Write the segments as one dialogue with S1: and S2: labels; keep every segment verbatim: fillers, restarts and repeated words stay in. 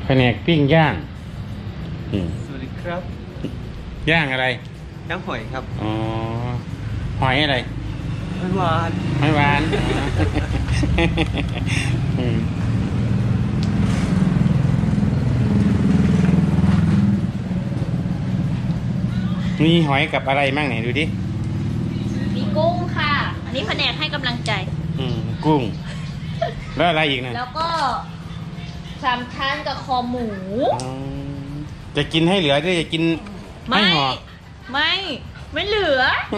S1: แผนกปิ้งย่าง
S2: สวัสดีครับ
S1: ย่างอะไร
S2: ย่างหอยครับ
S1: อ๋อหอยอะไร
S2: หอยหวาน
S1: หอยหวานมีหอยกับอะไรมั่งไหนดูดิ
S3: มีกุ้งค่ะอันนี้แผนกให้กำลังใจ
S1: อืมกุ้งแล้วอะไรอีกนะ
S3: แล้วก็สามชั้นกับคอหมู
S1: จะกินให้เหลือหรือจะกินไม่ห่อ
S3: ไม่ไม่เหลือ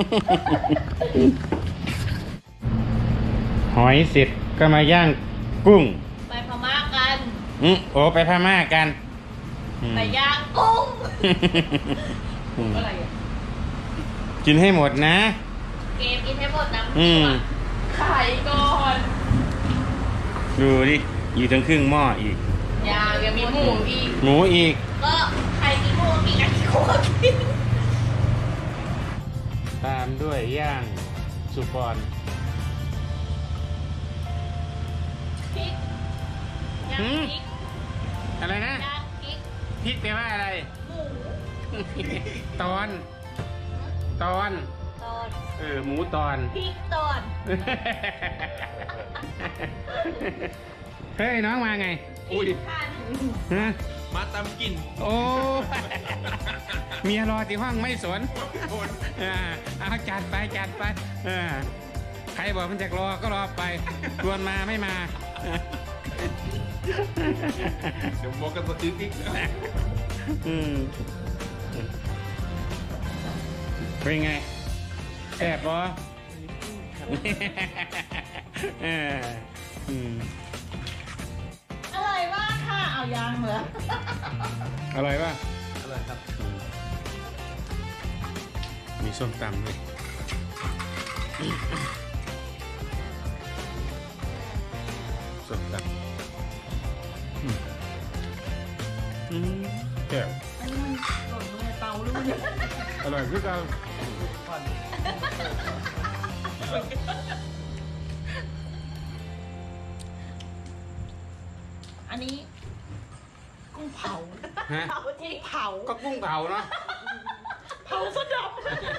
S1: หอยเสร็จก็มาย่างกุ้ง
S3: ไปพม่ากัน
S1: อืมโอ้ไปพม่ากัน
S3: ไปย่างกุ้งอะไรอ่ะ
S1: กินให้หมดนะ
S3: เกมกินให้หมดนะ
S1: อืม
S3: ไข่ก่อน
S1: ดูดิอยู่ทั้งครึ่งหม้ออีก
S3: ยายังมีหมูอีก
S1: หมูอีก
S3: ก็ไข่กินหมูอีกอันที่โคตรกิน
S1: ตามด้วยย่างสุกร
S3: พริกย่างพริก
S1: อะไรนะ
S3: ย่างพริก
S1: พริกแปลว่าอะไร
S3: หมู
S1: ตอนตอน
S3: ตอน
S1: เออหมูตอน
S3: พริกตอน
S1: เฮ้ยน้องมาไง
S2: อุ้ย
S1: ฮะ
S2: มาตามกิน
S1: โอ้เมียรอที่ห้องไม่สนอ่าเอาจัดไปจัดไปอ่าใครบอกมันจะรอก็รอไปชวนมาไม่มา
S2: เดี๋ยวบอกกันตัวอีกอีก
S1: อืมเป็นไงแซ่บปะเอออืม
S3: อร่อยมากค่ะเอายางเหรอ
S1: อร่อยป่ะ
S2: อร่อยครับ
S1: มีส้มตำด้วยส้มตำอืมแก้ว
S3: อันนี้มันหล่นลงในเตาหรือมัน
S1: อร่อยคือกัน
S3: อันนี้กุ้งเผา
S1: ฮะ
S3: เผาที่เผา
S1: ก็กุ้งเผาเนาะ
S3: เผาซะดำ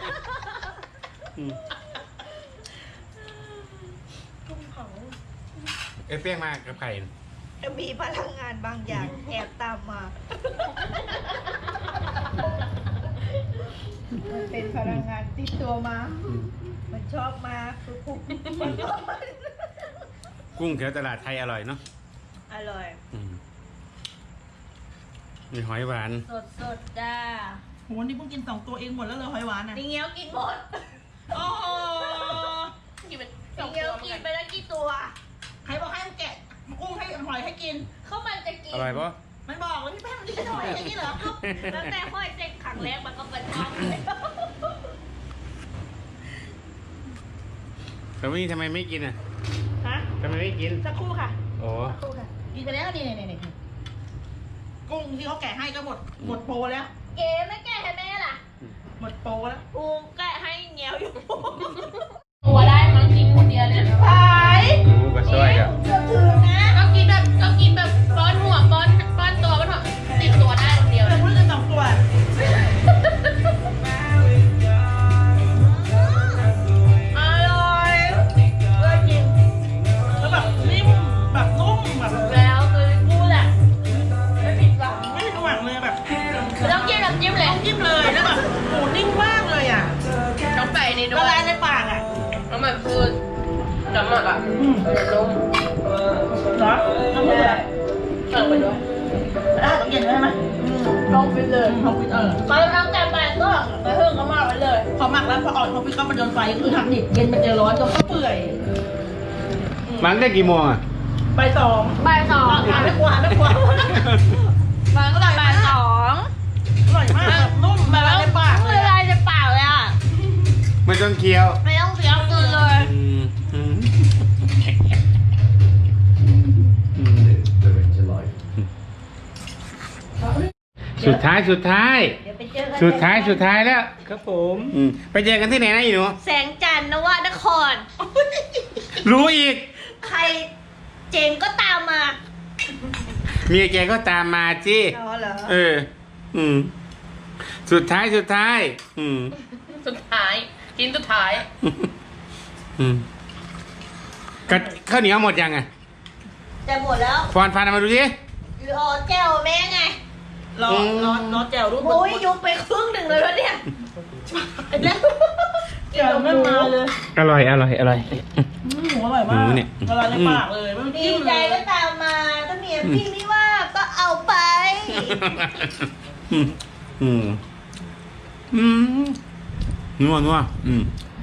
S3: กุ้งเผา
S1: เอฟเฟี้ยงมากกับไข่
S4: มีพลังงานบางอย่างแอบตามมามันเป็นพลังงานติดตัวมามันชอบมาคือกุ้ง
S1: กุ้งแถวตลาดไทยอร่อยเนาะ
S4: อร่อย
S1: มีหอยหวาน
S3: สดสดจ้า
S4: โหนี่เพิ่งกินสองตัวเองหมดแล้วเลยหอยหวานอ่ะ
S3: ดิเงี้ยวกินหมดโอ้โหกินไปดิเงี้ยวกินไปแล้วกี่ตัว
S4: ใครบอกให้มันแกะกุ้งให้หอยให้กิน
S3: เขามันจะกิน
S1: อร่อยปะ
S4: มันบอกว่าพี่แป้งมันกินหอยอย่างนี้เหรอ
S3: แล้วแต่หอยเจ๊กขังแรกมันก็เป็นท้องเลย
S1: แต่วันนี้ทำไมไม่กินอ่ะ
S4: ฮะ
S1: ทำไมไม่กิน
S4: สักครู่ค่ะ
S1: โอ้
S4: สักครู่ค่ะกินไปแล้วนี่นี่นี่กุ้งที่เขาแกะให้ก็หมดหมดโปรแล้ว
S3: เก๋ไม่แกะให้แม่ล่ะ
S4: หมดโปรแล้ว
S3: อูแกะให้เงี้ยวอยู่ตัวได้มั้งกินคนเดียวเนี่ย
S4: ไป
S1: ดูกระซอยกับ
S3: ก็กินแบบก็กินแบบป้อนหัวป้อนป้อนตัวมันติดตัวได้คนเดียว
S4: เลยพูดกันสองตัว
S3: อร่อยเลยจริง
S4: แล้วแบบนิ่มแบบนุ่มแบบ
S3: แล้วคือพูดอ่ะไม่ผิดหวัง
S4: ไม่ผิดหวังเลยแบบ
S3: ไม่ต้องจิ้มน้ำจิ้มเลย
S4: จิ้มเลยแล้วแบบโหนิ่มมากเลยอ่ะ
S3: ต้องใส่ในด้วย
S4: ละลายในปากอ่ะ
S3: แล้วมันคือน้ำหมักอ่ะนุ่ม
S4: เหรอต้องไปเลย
S3: เสิร์ฟไปด้วย
S4: ได้ต้องเย็นได้ไหม
S3: ต้องไปเลย
S4: ต้องไปเออ
S3: ไปทำแต่ไปก็ไปเพิ่งก็มาไปเลย
S4: พอหมักแล้วพออ่อนพอพี่เข้ามาโดนไฟก็คือหักดิบเย็นมันเจอร้อนจนก็เปื่อย
S1: มันได้กี่โมงอ่ะ
S4: ใบสอง
S3: ใบสอง
S4: หาไม่กว่าไม่กว่า
S3: มันก็ใบสอง
S4: อร่อยมากนุ่มละลายในปาก
S3: ละลายในปากเลยอ่ะ
S1: ไม่ต้องเคี้ยว
S3: ไม่ต้องเคี้ยวกินเลย
S1: สุดท้ายสุดท้ายสุดท้ายสุดท้ายแล้ว
S2: ครับผม
S1: ไปเจอกันที่ไหนนะอีหนู
S3: แสงจันทร์นวนคร
S1: รู้อีก
S3: ใครเจ๋งก็ตามมา
S1: เมียแกก็ตามมาจี
S4: อ๋อเหรอ
S1: เออ อืม สุดท้ายสุดท้าย อืม
S3: สุดท้าย กินสุดท้าย
S1: อืมก็ข้าวเหนียวหมดยังไง
S4: จะหมดแล้ว
S1: ฟอนฟันเอามาดูสิ
S4: รอแก้วแม่ไง รอ
S1: อืม
S4: รอรอแก้วรูปโอ้ยยุบไปครึ่งหนึ่งเลยแล้วเนี่ยแล้วแก้วไม่มาเลย
S1: อร่อยอร่อยอร่อย
S4: หมูอร่อยมาก
S1: หมูเนี่ย
S4: ละลายในปากเลยไม่ต้อง
S5: ดี
S4: จิ้ม
S5: ใจ
S4: เลย
S5: ก็ตามมาถ้าเมียพี่ไม่ว่าก็เอาไป
S1: อืมอืมอืมนัวนัวอืม